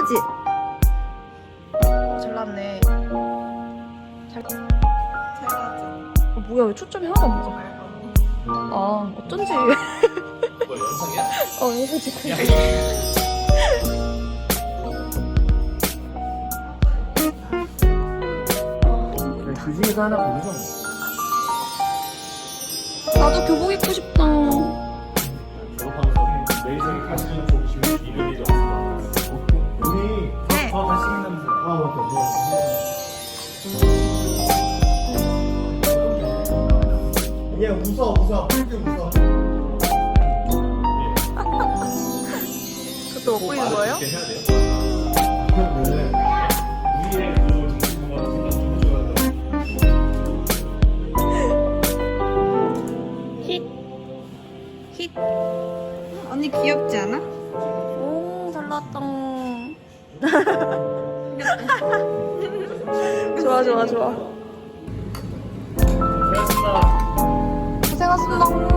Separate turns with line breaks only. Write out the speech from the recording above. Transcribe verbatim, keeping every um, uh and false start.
예쁘지? 어, 잘 나왔네. 잘.
잘 나왔죠?
어, 뭐야, 왜 초점이 하나도 안 맞아? 아, 어쩐지.
뭐 영상이야?
어, 영상 찍고
야,
있어.
그 중에서 하나 고르자.
나도 교복 입고 싶다.
졸업하면서 내일 생에 가시는 쪽 지금 이름이 좀 우리
네.
더 같이 생각나면서 아 맞다
얘 웃어 웃어 풀게 웃어.
그것도 먹고 있는 거예요?
이렇게 해야 돼요?
네.
우리의 그 정신건강 생각 좀 해줘야 돼.
힛. 힛.
언니 귀엽지 않아?
오, 잘 나왔다. 좋아, 좋아, 좋아.
고맙습니다.
고생하셨습니다.